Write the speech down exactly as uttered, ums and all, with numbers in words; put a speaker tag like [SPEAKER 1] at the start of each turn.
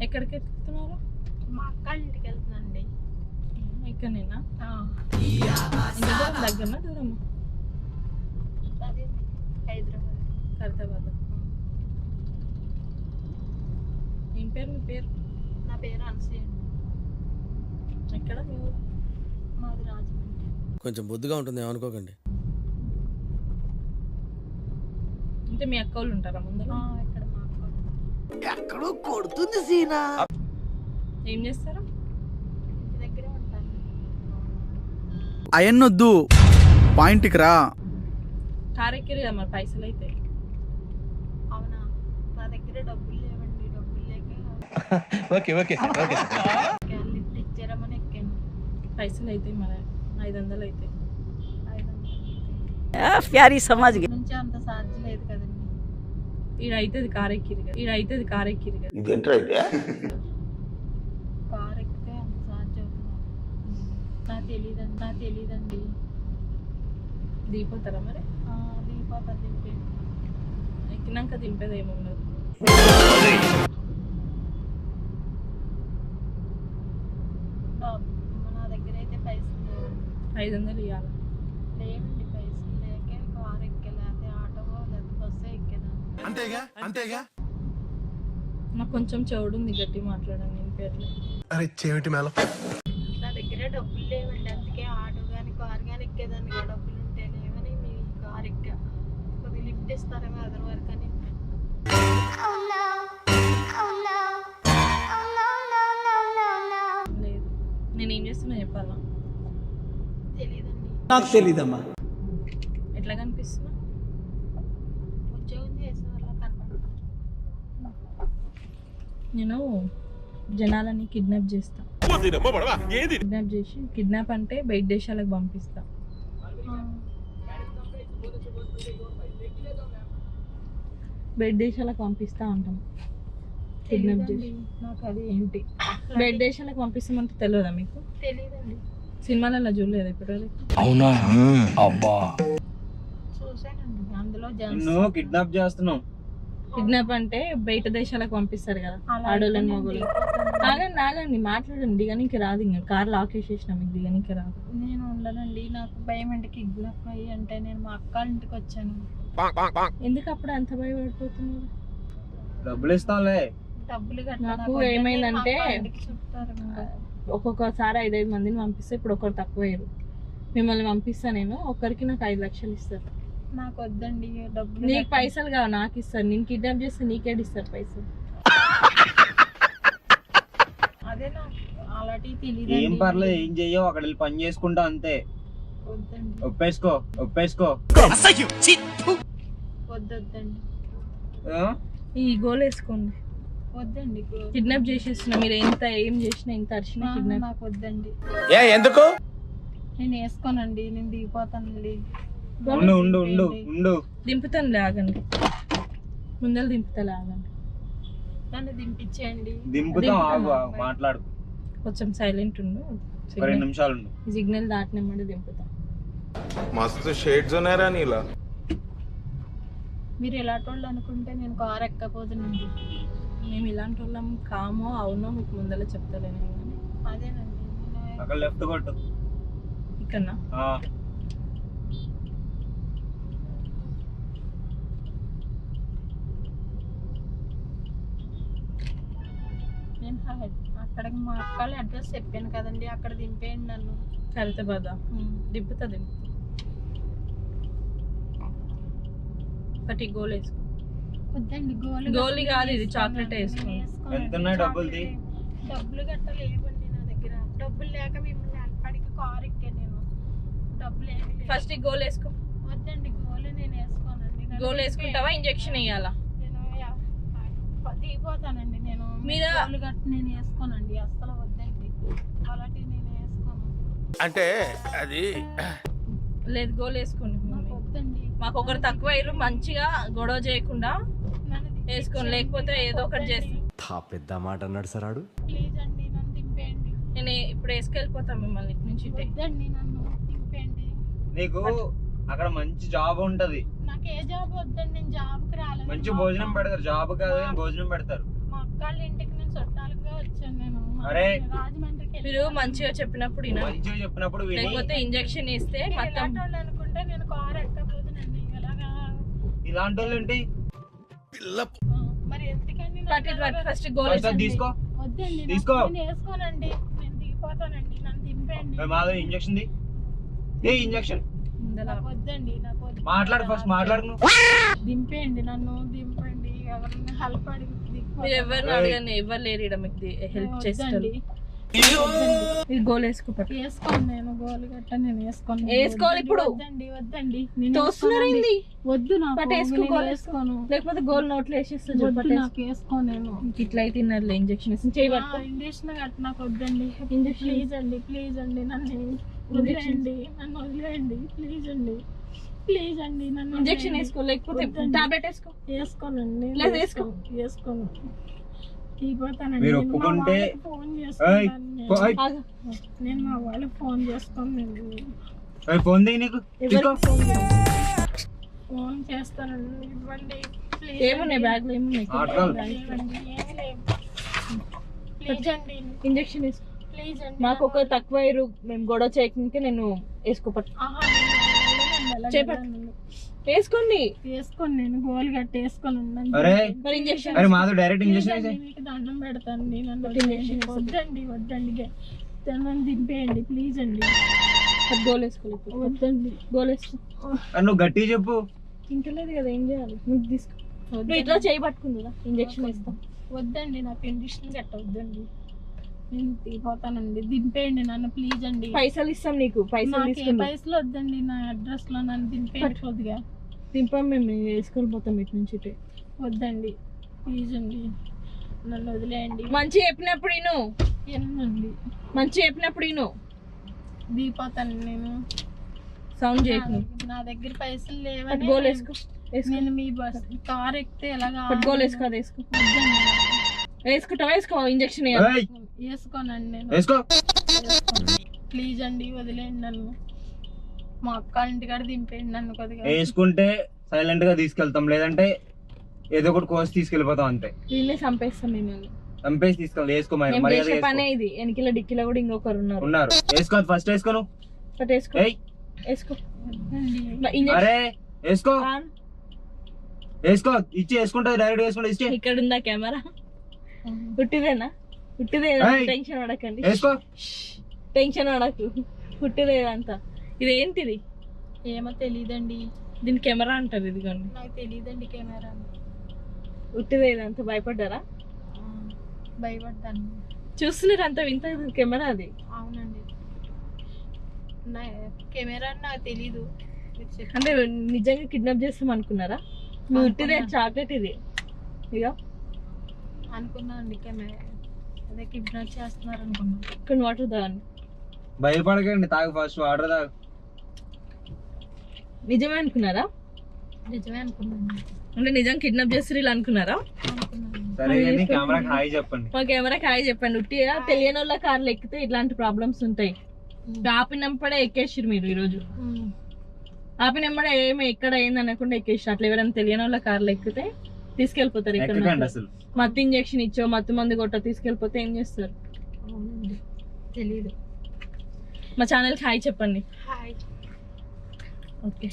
[SPEAKER 1] ఎక్కడికి వెళ్తున్నారు?
[SPEAKER 2] మా అక్క ఇంటికి వెళ్తున్నాండి.
[SPEAKER 1] ఇక్కడనేనా? దగ్గరనా దూరమా?
[SPEAKER 2] అదే హైదరాబాద్.
[SPEAKER 1] ఖైరతాబాద్. ఏం పేరు మీ పేరు?
[SPEAKER 2] నా పేరు అనసూయ అండి.
[SPEAKER 1] ఎక్కడ మీ ఊరు?
[SPEAKER 2] మాది రాజమండ్రి.
[SPEAKER 3] కొంచెం బొద్దుగా ఉంటుంది ఏమనుకోకండి.
[SPEAKER 1] అంటే మీ అక్క వాళ్ళు ఉంటారా ముందర?
[SPEAKER 2] ఇక్కడ మా అక్క
[SPEAKER 3] ఎక్కడో కొడుతుంది సీనా.
[SPEAKER 1] ఏం చేస్తారా?
[SPEAKER 2] ఇంటి దగ్గరే ఉంటాను.
[SPEAKER 4] అయన్నొద్దు, పాయింట్కి రా.
[SPEAKER 1] కార్ ఎక్కిరు కదా మరి పైసలు అయితే?
[SPEAKER 2] అవునా, నా దగ్గర డబ్బులు లేవండి. డబ్బులు లేక
[SPEAKER 5] ఓకే ఓకే ఓకే
[SPEAKER 2] లిఫ్ట్ ఇచ్చారమని ఎక్కాను.
[SPEAKER 1] పైసలు అయితే మరి ఐదు వందలు అయితే
[SPEAKER 2] ఐదు వందలు
[SPEAKER 6] ప్యారీ సమాజ్
[SPEAKER 2] నుంచి అంత ఛార్జ్ లేదు కదండి.
[SPEAKER 1] ఈడ అవుతుంది కార్ ఎక్కిరు కదా, ఈడ అవుతుంది కార్ ఎక్కిరు కదా.
[SPEAKER 2] కార్ ఎక్కితే అంత ఛార్జ్ అవుతుంది. నాకు తెలియదండి నాకు తెలియదండి
[SPEAKER 1] దిగిపోతారా మరి?
[SPEAKER 2] దిగిపోతా దింపేది.
[SPEAKER 1] ఎక్కినాక దింపేది ఏముండదు.
[SPEAKER 2] నా దగ్గర అయితే పైసలు లేవు.
[SPEAKER 1] ఐదు వందలు ఇవ్వాలి.
[SPEAKER 2] లేవండి పైసలు లేక కార్ ఎక్కలేకపోతే ఆటో లేదా బస్సు ఎక్కేదాన్ని.
[SPEAKER 3] అంతేగా అంతేగా.
[SPEAKER 1] నాకు కొంచెం చెవుడు ఉంది, గట్టి మాట్లాడండి. నేను పేర్లు
[SPEAKER 3] అరే చెవిటి మేళం.
[SPEAKER 2] నా దగ్గర డబ్బులు లేవండి, అందుకే ఆటో కానీ కార్ కానీ ఎక్కేదాన్ని. డబ్బులు ఉంటే లేవని మీ కార్ ఎక్కా. కొద్దిగా లిఫ్ట్ ఇస్తారేమో అదర్ వరకు అని.
[SPEAKER 1] లేదు. నేను ఏం చేస్తున్నా చెప్పాలా?
[SPEAKER 2] తెలియదండి.
[SPEAKER 4] నాకు తెలీదమ్మా.
[SPEAKER 1] ఎట్లా కనిపిస్తున్నా?
[SPEAKER 2] ఉద్యోగం చేసే వాళ్ళ కనపడుతుంది.
[SPEAKER 1] నేను జనాలని కిడ్నాప్ చేస్తా. కిడ్నాప్ చేసి, కిడ్నాప్ అంటే బయట దేశాలకు పంపిస్తా. బయట దేశాలకు పంపిస్తా అంటాం. కిడ్నాప్ చేసి
[SPEAKER 2] నాకు అది ఏంటి
[SPEAKER 1] బయట దేశాలకు పంపిస్తామంటే తెలియదా మీకు?
[SPEAKER 2] తెలియదండి.
[SPEAKER 1] సినిమాలలో చూడలేదు ఇప్పుడు?
[SPEAKER 5] అవునా? అబ్బా,
[SPEAKER 2] చూసానండి. అందులో
[SPEAKER 5] నువ్వు కిడ్నాప్ చేస్తున్నావు.
[SPEAKER 1] కిడ్నాప్ అంటే బయట దేశాలకు పంపిస్తారు కదా ఆడోళ్ళని మొగోళ్ళు. ఆగండి ఆగండి మాట్లాడండి. దిగనికి రాదు, ఇంకా కార్ లాక్ వేసేసిన మీకు దిగనికి రాదు.
[SPEAKER 2] నేను ఉండనండి, నాకు భయం అండి కిడ్నాప్ అయ్యి. అంటే నేను మా అక్క ఇంటికి వచ్చాను.
[SPEAKER 1] ఎందుకు అప్పుడు అంత భయపడిపోతున్నారు?
[SPEAKER 5] డబ్బులు ఇస్తాంలే.
[SPEAKER 2] డబ్బులు
[SPEAKER 1] నాకు ఏమైందంటే
[SPEAKER 2] చెప్తారు.
[SPEAKER 1] ఒక్కొక్కసారి ఐదైదు మందిని పంపిస్తే ఇప్పుడు ఒకరు తక్కువ అయ్యారు. మిమ్మల్ని పంపిస్తా నేను, ఒక్కరికి నాకు ఐదు లక్షలు ఇస్తారు.
[SPEAKER 2] నాకు వద్దండి డబ్బులు.
[SPEAKER 1] నీకు పైసలు కావు, నాకు ఇస్తారు. నేను కిడ్నాప్ చేస్తే నీకేడు ఇస్తారు పైసలు?
[SPEAKER 2] అదే నాకు అలాంటివి తెలియదు.
[SPEAKER 5] ఏం పర్లేదు, ఏం చెయ్యవు, అక్కడ వెళ్ళి పని చేసుకుంటా అంతే.
[SPEAKER 2] వద్దండి.
[SPEAKER 5] ఒప్పేసుకో ఒప్పేసుకో.
[SPEAKER 2] వద్దొద్దండి.
[SPEAKER 1] ఈ గోల్ వేసుకోండి.
[SPEAKER 2] వద్దండి.
[SPEAKER 1] కిడ్నాప్ చేసేస్తున్నా. మీరు ఎంత ఏం చేసినా, ఎంత అరిచినా కిడ్నాప్.
[SPEAKER 2] నాకు వద్దండి.
[SPEAKER 5] ఎందుకు?
[SPEAKER 2] నేను వేసుకోనండి, నేను దిగిపోతానండి.
[SPEAKER 5] ఉండు ఉండు ఉండు ఉండు
[SPEAKER 1] దింపుతాను, ఆగండి. ముందర దింపుతా, ఆగండి.
[SPEAKER 2] నన్ను దింపించేయండి.
[SPEAKER 5] దింపుతాం, ఆగు ఆగు, మాట్లాడు.
[SPEAKER 1] కొంచెం సైలెంట్ ఉండు.
[SPEAKER 5] ఒక రెండు నిమిషాలు ఉండు.
[SPEAKER 1] సిగ్నల్ దాటినమ్మడి దింపుతా.
[SPEAKER 7] మస్తు షేడ్స్ ఉన్నారా నీలా?
[SPEAKER 2] మీరు ఎలాంటి వాళ్ళు అనుకుంటే నేను కార్ ఎక్కపోదునండి.
[SPEAKER 1] మేము ఇలాంటి వాళ్ళం కామో అవునో మీకు ముందర చెప్తలేను కానీ.
[SPEAKER 2] అదేనండి.
[SPEAKER 5] అక్కడ లెఫ్ట్ కొట్టు.
[SPEAKER 1] ఇక్కడనా?
[SPEAKER 2] నేను అక్కడికి మా అక్కల అడ్రస్ చెప్పాను కదండి, అక్కడ దింపేయండి నన్ను.
[SPEAKER 1] ఖైరతాబాద్ దింపుతా దింపుతా. ఒకటి గోల్ వేసుకో.
[SPEAKER 2] వద్దండి గోలు.
[SPEAKER 1] గోలి కాదు ఇది, చాక్లెట్ వేసుకో.
[SPEAKER 5] ఎంత ఉన్నాయి డబ్బులు?
[SPEAKER 2] డబ్బులు గట్ట లేవండి నా దగ్గర. డబ్బులు లేక మిమ్మల్ని అక్కడికి కార్ ఎక్కాను నేను. డబ్బులు ఏమి
[SPEAKER 1] ఫస్ట్ గోల్ వేసుకో.
[SPEAKER 2] వద్దండి గోలు నేను వేసుకోనండి.
[SPEAKER 1] గోల్ వేసుకుంటావా? ఇంజెక్షన్ వేయాలా?
[SPEAKER 2] నేను దిగిపోతానండి. నేను
[SPEAKER 1] మీరు
[SPEAKER 2] గోలు గట్ట నేను వేసుకోనండి, అస్సలు వద్దండి. అలాంటివి నేను వేసుకోను.
[SPEAKER 3] అంటే అది
[SPEAKER 1] లేదు, గోల్ వేసుకోండి.
[SPEAKER 2] నాకు వద్దండి.
[SPEAKER 1] మాకు ఒకరు తక్కువ అయ్యారు, మంచిగా గొడవ చేయకుండా వేసుకోండి, లేకపోతే ఏదో ఒకటి చేస్తాం.
[SPEAKER 8] పెద్ద మాట అన్నాడు సార్ ఆడు.
[SPEAKER 2] ప్లీజ్ అండి నన్ను దింపేయండి.
[SPEAKER 1] నేను ఇప్పుడు వేసుకెళ్ళిపోతాను మిమ్మల్ని ఇటు నుంచి.
[SPEAKER 2] వద్దండి నన్ను దింపేయండి.
[SPEAKER 5] నీకు అక్కడ మంచి జాబ్ ఉంటది.
[SPEAKER 2] నాకు ఏ జాబ్ వద్దండి, నేను జాబ్కి రాలేదు.
[SPEAKER 5] మంచి భోజనం పెడతారు, జాబ్ కాదు కానీ భోజనం పెడతారు.
[SPEAKER 2] మా అక్క వాళ్ళ ఇంటికి నేను చుట్టాలకు
[SPEAKER 5] అరే
[SPEAKER 2] రాజమండ్రికి వెళ్ళి
[SPEAKER 1] మీరు మంచిగా చెప్పినప్పుడు వినాలి.
[SPEAKER 5] మంచిగా చెప్పినప్పుడు విని
[SPEAKER 1] లేకపోతే ఇంజెక్షన్ ఇస్తే మొత్తం
[SPEAKER 2] ఇలాంటి వాళ్ళు అనుకుంటే నేను కారు ఎక్కబోతునండి ఇలాగా.
[SPEAKER 5] ఇలాంటి వాళ్ళు ఏంటి
[SPEAKER 3] పిల్ల
[SPEAKER 2] ఆ, మరి ఎందుకండి నాకు
[SPEAKER 1] బట్ ఇది
[SPEAKER 2] అలాగా-
[SPEAKER 1] ఫస్ట్ గోల్
[SPEAKER 5] ఫస్ట్ అది తీసుకో
[SPEAKER 2] వద్దండి
[SPEAKER 5] తీసుకో.
[SPEAKER 2] నాకు నేను వేసుకోనండి, నేను దిగిపోతానండి, నన్ను దింపండి.
[SPEAKER 5] ఏ మాధవ్ ఇంజక్షన్ ది ఏ ఇంజక్షన్
[SPEAKER 2] నాకు వద్దండి, నాకు వద్దు.
[SPEAKER 5] మాట్లాడు ఫస్ట్ మాట్లాడు నువ్వు.
[SPEAKER 2] దింపేయండి, నన్ను దింపండి, ఎవరైనా హెల్ప్ అడిగి దిగిపోతాను.
[SPEAKER 1] మీరు ఎవరిని అడగండి, ఎవరు లేరు ఈడ మీకు హెల్ప్ చేస్తారు.
[SPEAKER 2] వద్దండి.
[SPEAKER 1] మీరు గోల్ వేసుకోపట్టు.
[SPEAKER 2] వేసుకోను, నేను గోలు గట్ట నేను వేసుకోను.
[SPEAKER 1] వేసుకోవాలి ఇప్పుడు.
[SPEAKER 2] వద్దండి వద్దండి నేను
[SPEAKER 1] తోస్తున్నారు
[SPEAKER 2] వేసుకోనండి.
[SPEAKER 1] ఏంది?
[SPEAKER 2] వద్దు నాకు,
[SPEAKER 1] బట్ వేసుకో,
[SPEAKER 2] నేను
[SPEAKER 1] గోలు
[SPEAKER 2] వేసుకోను.
[SPEAKER 1] లేకపోతే గోల్ నోట్లో వేసేస్తా.
[SPEAKER 2] వద్దు నాకు వేసుకోను నేను.
[SPEAKER 1] ఇట్లా అయితే తిన్నారు ఇంజక్షన్ వేసి చేయి పట్టుకో.
[SPEAKER 2] ఇంజక్షన్ గట్ట నాకు వద్దండి. ప్లీజ్ అండి, ప్లీజ్ అండి, నన్ను వదిలేయండి, నన్ను వదిలేయండి, ప్లీజ్ అండి, ప్లీజ్ అండి, నన్ను
[SPEAKER 1] ఇంజక్షన్
[SPEAKER 2] వదిలేయండి.
[SPEAKER 1] వేసుకో, లేకపోతే
[SPEAKER 2] వద్దండి.
[SPEAKER 1] టాబ్లెట్ వేసుకో.
[SPEAKER 2] వేసుకోనండి,
[SPEAKER 1] లేదు, వేసుకో.
[SPEAKER 2] వేసుకోను. తీపోతానండి.
[SPEAKER 5] మీరు
[SPEAKER 2] నేను మా
[SPEAKER 5] ఒప్పుకుంటే
[SPEAKER 2] వాళ్ళకి ఫోన్
[SPEAKER 5] ఏయ్,
[SPEAKER 2] చేసుకుంటాను నేను.
[SPEAKER 5] పో- ఏయ్,
[SPEAKER 1] ఆగు.
[SPEAKER 2] నేను మా వాళ్ళకి ఫోన్ చేసుకోనండి.
[SPEAKER 5] ఏయ్, ఫోన్ ది నీకు తీసుకో.
[SPEAKER 1] ఎవరికి ఫోన్ చేయాలి?
[SPEAKER 2] ఫోన్ చేస్తానండి, ఇవ్వండి ప్లీజ్.
[SPEAKER 1] ఏమున్నాయి బ్యాగ్ లో ఏమున్నాయి?
[SPEAKER 5] ఆటకాలు.
[SPEAKER 2] ఇవ్వండి, ఏమీ లేవు. ప్లీజ్ అండి,
[SPEAKER 1] ఇంజక్షన్ వేసుకో.
[SPEAKER 2] ప్లీజ్ అండి.
[SPEAKER 1] మాకు ఒక తక్కువ ఇరు మేము గొడవ చేయకుంటే నేను వేసుకోపట్టు.
[SPEAKER 2] ఆహా, నేను వెళ్ళనండి, అలాగే
[SPEAKER 1] చేపట్టు.
[SPEAKER 2] వెళ్ళను.
[SPEAKER 1] వేసుకోండి.
[SPEAKER 2] వేసుకోను, నేను గోలు గట్టి వేసుకోను.
[SPEAKER 5] అరే
[SPEAKER 1] మరి ఇంజక్షన్
[SPEAKER 5] అరే మాధవ్ డైరెక్ట్ ఇంజక్షన్ వేసే
[SPEAKER 2] మీకు దండం పెడతాను, నేను నన్ను
[SPEAKER 1] ఇంజక్షన్
[SPEAKER 2] వదిలేయండి. వద్దండి వద్దండి గ- నన్ను దింపేయండి ప్లీజ్ అండి.
[SPEAKER 1] గోల్ వేసుకోలేదు.
[SPEAKER 2] వద్దండి
[SPEAKER 1] గోల్ వేసుకో.
[SPEAKER 5] అరే నువ్వు గట్టిగా చెప్పు.
[SPEAKER 1] ఇంటలేదు కదా, ఏం చేయాలి? నువ్వు తీసుకో. నువ్వు ఇట్లా చేయి పట్టుకుందా ఇంజక్షన్ వేస్తా.
[SPEAKER 2] వద్దండి, నాకు ఇండిషన్ గట్ట వద్దండి, నేను తీపోతానండి. దింపేయండి నన్ను ప్లీజ్ అండి.
[SPEAKER 1] పైసలు ఇస్తాం నీకు, పైసలు
[SPEAKER 2] నాకు ఏ
[SPEAKER 1] తీసుకుందాం.
[SPEAKER 2] పైసలు వద్దండి, నా అడ్రస్ లో నన్ను దింపేయండి కొద్దిగా.
[SPEAKER 1] దింపాం మేము వేసుకొని పోతాం ఇటు నుంచి ఇటే.
[SPEAKER 2] వద్దండి ప్లీజ్ అండి, నన్ను వదిలేయండి.
[SPEAKER 1] మంచి చెప్పినప్పుడు ఇను,
[SPEAKER 2] ఎన్నండి
[SPEAKER 1] మంచి చెప్పినప్పుడు ఇను.
[SPEAKER 2] దిగిపోతాను నేను.
[SPEAKER 1] సౌండ్ చేయకు
[SPEAKER 2] నా-
[SPEAKER 1] నువ్వు.
[SPEAKER 2] నా దగ్గర పైసలు
[SPEAKER 1] పట్టు
[SPEAKER 2] లేవని
[SPEAKER 1] గోల్ వేసుకో. వేసుకో.
[SPEAKER 2] నేను మీ బస్ కార్ ఎక్కితే ఎలాగా
[SPEAKER 1] పట్టు గోల్ వేసుకో. అది వేసుకో. వేసుకుంటా వేసుకో ఇంజక్షన్
[SPEAKER 5] ఏయ్,
[SPEAKER 2] వేసుకోనండి నేను.
[SPEAKER 5] వేసుకో.
[SPEAKER 2] ప్లీజ్ అండి వదిలేయండి నన్ను. మా అక్క ఇంటికాడ దింపేయండి నన్ను కొద్దిగా.
[SPEAKER 5] వేసుకుంటే సైలెంట్ గా తీసుకెళ్తాం, లేదంటే ఏదో ఒకటి కోసి తీసుకెళ్ళిపోతాం అంతే.
[SPEAKER 1] దీన్నే చంపేస్తాం మిమ్మల్ని.
[SPEAKER 5] చంపేసి తీసుకెళ్ళి వేసుకో మరి
[SPEAKER 1] మేము
[SPEAKER 5] మర్యాద
[SPEAKER 1] చేసే
[SPEAKER 5] వేసుకో.
[SPEAKER 1] పనే ఇది. వెనకిల డిక్కిలో కూడా ఇంకొకరు ఉన్నారు.
[SPEAKER 5] ఉన్నారు వేసుకో ఫస్ట్ వేసుకో నువ్వు.
[SPEAKER 1] పట్టు వేసుకో.
[SPEAKER 5] ఏయ్
[SPEAKER 1] వేసుకో.
[SPEAKER 2] వద్దండి.
[SPEAKER 1] ఇంజక్షన్
[SPEAKER 5] అరే వేసుకో వేసుకో ఇచ్చి వేసుకుంటా డైరెక్ట్ వేసుకుంటా ఇచ్చి
[SPEAKER 1] ఇక్కడ ఉందా కెమెరా? పుట్టిదేనా? పుట్టిదేనా?
[SPEAKER 5] ఏయ్.
[SPEAKER 1] టెన్షన్ పడకండి.
[SPEAKER 5] వేసుకో.
[SPEAKER 1] టెన్షన్ పడకు. పుట్టిదేదంతా. ఇది ఏంటిది?
[SPEAKER 2] ఏమో తెలియదండి,
[SPEAKER 1] దీని కెమెరా అంటారు. ఇదిగోండి.
[SPEAKER 2] నాకు తెలియదండి కెమెరా.
[SPEAKER 1] పుట్టిదేదంతా భయపడ్డారా?
[SPEAKER 2] భయపడ్డాను.
[SPEAKER 1] చూస్తున్నారు అంత వింత కెమెరా అది.
[SPEAKER 2] అవునండి, నా కెమెరా అని నాకు తెలీదు. మీరు చెప్పి
[SPEAKER 1] అంటే నిజంగా కిడ్నాప్ చేస్తాం అనుకున్నారా? నువ్వు పుట్టిదే చాక్లెట్ ఇది. ఇక
[SPEAKER 2] అనుకున్నానండి కెమెరా అదే కిడ్నాప్ చేస్తున్నారు అనుకున్నాను.
[SPEAKER 1] కొన్ని వాటర్ తాగండి.
[SPEAKER 5] భయపడకండి, తాగు ఫస్ట్ వాటర్ తాగు.
[SPEAKER 1] నిజమే అనుకున్నారా?
[SPEAKER 2] నిజమే అనుకున్నాను
[SPEAKER 1] అంటే నిజం కిడ్నాప్ చేస్తారు ఇలా అనుకున్నారా?
[SPEAKER 2] అనుకున్నాను.
[SPEAKER 5] సరే కానీ కెమెరాకి హాయ్ చెప్పండి.
[SPEAKER 1] మా కెమెరాకి హాయ్ చెప్పండి. ఉట్టిగా తెలియని వాళ్ళ కార్లు ఎక్కితే ఇట్లాంటి ప్రాబ్లమ్స్ ఉంటాయి. ఆపినప్పుడే ఎక్కేసారు మీరు ఈరోజు.
[SPEAKER 2] ఉమ్.
[SPEAKER 1] ఆపినప్పుడే ఏమి ఎక్కడ అయింది అనకుండా ఎక్కేసారు. అట్లా ఎవరైనా తెలియని వాళ్ళ కార్లు ఎక్కితే తీసుకెళ్లిపోతారు.
[SPEAKER 5] ఎక్కకండి
[SPEAKER 1] ఇక్కడ
[SPEAKER 5] అసలు.
[SPEAKER 1] మత్తు ఇంజక్షన్ ఇచ్చో మత్తు మందు కొట్ట తీసుకెళ్లిపోతే ఏం చేస్తారు?
[SPEAKER 2] అవునండి, తెలీదు.
[SPEAKER 1] మా ఛానల్కి హాయ్ చెప్పండి.
[SPEAKER 2] హాయ్.
[SPEAKER 1] ఓకే.